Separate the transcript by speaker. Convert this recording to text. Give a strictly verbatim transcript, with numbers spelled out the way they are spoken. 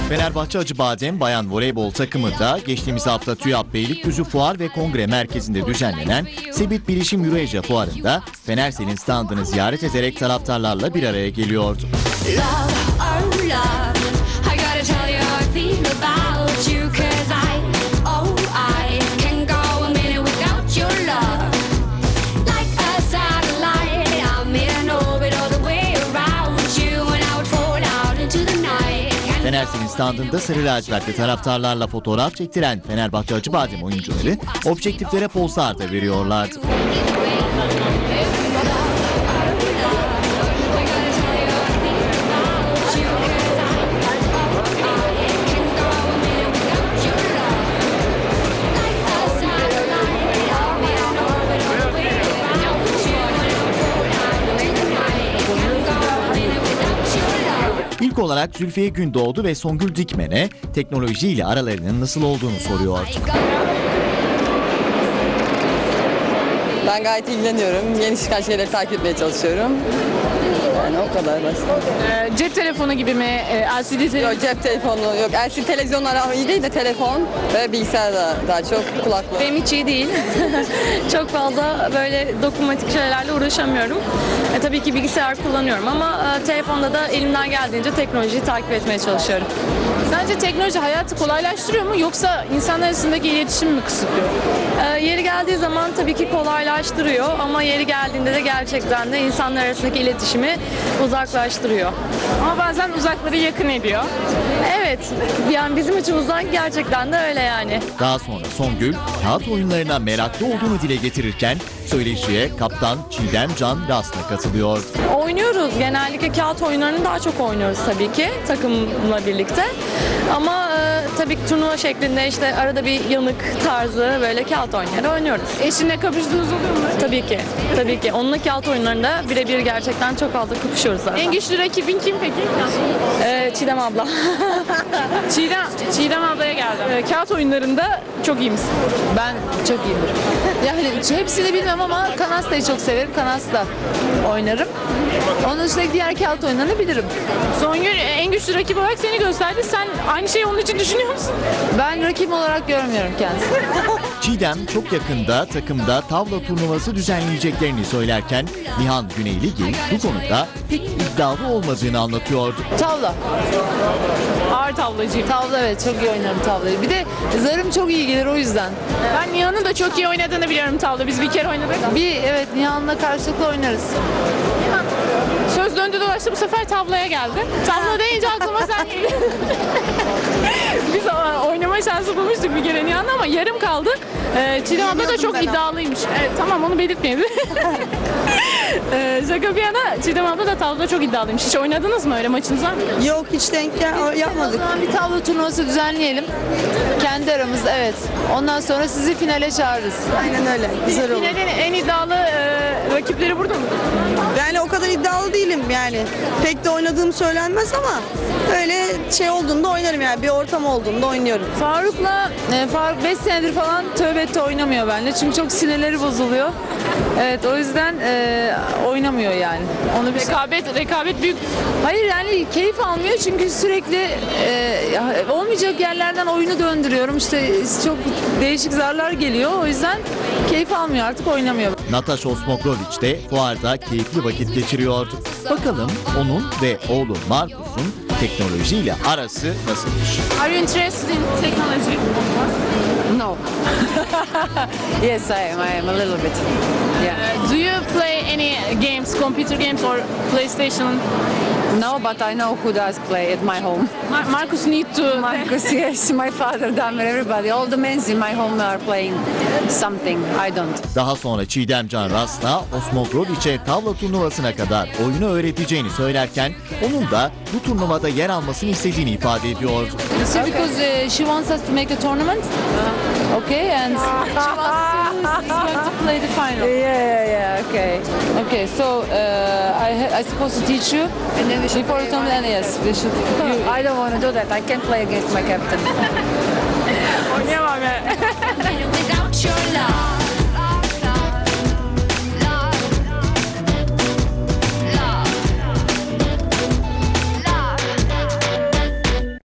Speaker 1: Fenerbahçe Acıbadem Bayan Voleybol takımı da geçtiğimiz hafta TÜYAP Beylikdüzü Fuar ve Kongre Merkezi'nde düzenlenen Sebit Bilişim Eurasia Fuarı'nda Fenersel'in standını ziyaret ederek taraftarlarla bir araya geliyordu. Fenersel'in standında sarı lacivertli taraftarlarla fotoğraf çektiren Fenerbahçe Acıbadem oyuncuları objektiflere pozlar da veriyorlardı. İlk olarak Zülfiye Gündoğdu ve Songül Dikmen'e teknolojiyle aralarının nasıl olduğunu soruyorduk.
Speaker 2: Ben gayet ilgileniyorum. Yeni çıkan şeyleri takip etmeye çalışıyorum. Yani o kadar basit.
Speaker 3: Ee, cep telefonu gibi mi? Ee, L C D telefonu?
Speaker 2: Yok, cep telefonu yok. L C D televizyonlar iyi değil de telefon ve bilgisayar da daha çok, kulaklık.
Speaker 4: Benim hiç iyi değil. Çok fazla böyle dokunmatik şeylerle uğraşamıyorum. E, tabii ki bilgisayar kullanıyorum ama e, telefonda da elimden geldiğince teknolojiyi takip etmeye çalışıyorum.
Speaker 3: Sence teknoloji hayatı kolaylaştırıyor mu yoksa insanlar arasındaki iletişimi mi kısıtlıyor?
Speaker 4: E, yeri geldiği zaman tabii ki kolaylaştırıyor ama yeri geldiğinde de gerçekten de insanlar arasındaki iletişimi uzaklaştırıyor.
Speaker 3: Ama bazen uzakları yakın ediyor.
Speaker 4: Evet, yani bizim açımızdan gerçekten de öyle yani.
Speaker 1: Daha sonra Songül, kağıt oyunlarına meraklı olduğunu dile getirirken söyleşiye kaptan Çiğdem Can Ras'la katılıyor.
Speaker 4: Oynuyoruz. Genellikle kağıt oyunlarını daha çok oynuyoruz tabii ki takımla birlikte. Ama e, tabii ki turnuva şeklinde işte arada bir yanık tarzı böyle kağıt oyunları oynuyoruz.
Speaker 3: Eşinle kapıştığınız oluyor mu?
Speaker 4: Tabii ki. Tabii ki. Onunla kağıt oyunlarında birebir gerçekten çok fazla kapışıyoruz zaten.
Speaker 3: En güçlü rakibin kim peki?
Speaker 4: Ee, Çiğdem abla.
Speaker 3: Çiğdem, Çiğdem ablaya geldim. Ee, kağıt oyunlarında çok iyi misin?
Speaker 5: Ben çok iyiyimdir. Yani hepsini bilmem ama Kanasta'yı çok severim. Kanasta oynarım. Onun dışında diğer kağıt oyunlarını bilirim.
Speaker 3: Songül en güçlü rakip olarak seni gösterdi. Sen aynı şeyi onun için düşünüyor musun?
Speaker 5: Ben rakip olarak görmüyorum kendisini.
Speaker 1: Çiğdem çok yakında takımda tavla turnuvası düzenleyeceklerini söylerken Nihan Güneyligil bu konuda pek iddialı olmadığını anlatıyordu.
Speaker 5: Tavla.
Speaker 3: Ağır tavlacıyım.
Speaker 5: Tavla, evet, çok iyi oynarım tavlayı. Bir de zarım çok iyi gelir o yüzden.
Speaker 3: Ben Nihan'ın da çok iyi oynadığını biliyorum tavla. Biz bir kere oynadık.
Speaker 5: Bir evet Nihan'la karşılıklı oynarız.
Speaker 3: Söz döndü dolaştı bu sefer tavlaya geldi. Tavla deyince aklıma sen geliyor. Biz oynama şansı bulmuştuk bir kere Nihan'la ama yarım kaldı. Ee, Çiğdem abla da çok iddialıymış. Evet, tamam onu belirtmeyelim. ee, şaka bir yana Çiğdem abla da tavlada çok iddialıymış. Hiç oynadınız mı öyle maçınız var mı?
Speaker 2: Yok, hiç denk gel- yapmadık.
Speaker 5: O zaman bir tavla turnuvası düzenleyelim. Kendi aramızda, evet. Ondan sonra sizi finale çağırırız.
Speaker 2: Aynen öyle. Güzel olur.
Speaker 3: Finalin en iddialı e, rakipleri burada mı?
Speaker 2: Yani o kadar iddialı değilim yani. Pek de oynadığım söylenmez ama öyle şey olduğunda oynarım yani. Bir ortam olduğunda oynuyorum.
Speaker 5: Faruk'la, e, Faruk beş senedir falan tövbe etti oynamıyor benimle. Çünkü çok sinirleri bozuluyor. Evet, o yüzden e, oynamıyor yani. Onu bir
Speaker 3: Rekabet, rekabet büyük.
Speaker 5: Hayır, yani keyif almıyor çünkü sürekli e, olmayacak yerlerden oyunu döndürüyorum. İşte çok değişik zarlar geliyor. O yüzden keyif almıyor, artık oynamıyor.
Speaker 1: Natasha Osmogrovic de fuarda keyifli vakit geçiriyordu. Bakalım onun ve oğlu Markus'un teknolojiyle arası nasılmış?
Speaker 3: Are you interested in technology?
Speaker 5: No. Yes, I am. I am a little bit. Yeah.
Speaker 3: Uh, do you play any games, computer games or PlayStation?
Speaker 5: No, but I know who does play at my home.
Speaker 3: Mar- Marcus need to.
Speaker 5: Marcus, yes, my father, Damer, everybody. All the men in my home are playing something. I don't.
Speaker 1: Daha sonra Çiğdem Can Ras'la Osmogrovic'e tavla turnuvasına kadar oyunu öğreteceğini söylerken onun da bu turnuvada yer almasını istediğini ifade ediyordu.
Speaker 5: So because uh, she wants us to make a tournament. Okay, and she wants us who is going to play the final. Yeah, yeah, yeah. Okay, okay. So uh, I ha- I supposed to teach you, and then we should before the tournament. And yes, we should. You, I don't want to do that. I can't play against my captain.
Speaker 3: Oynayamam ben.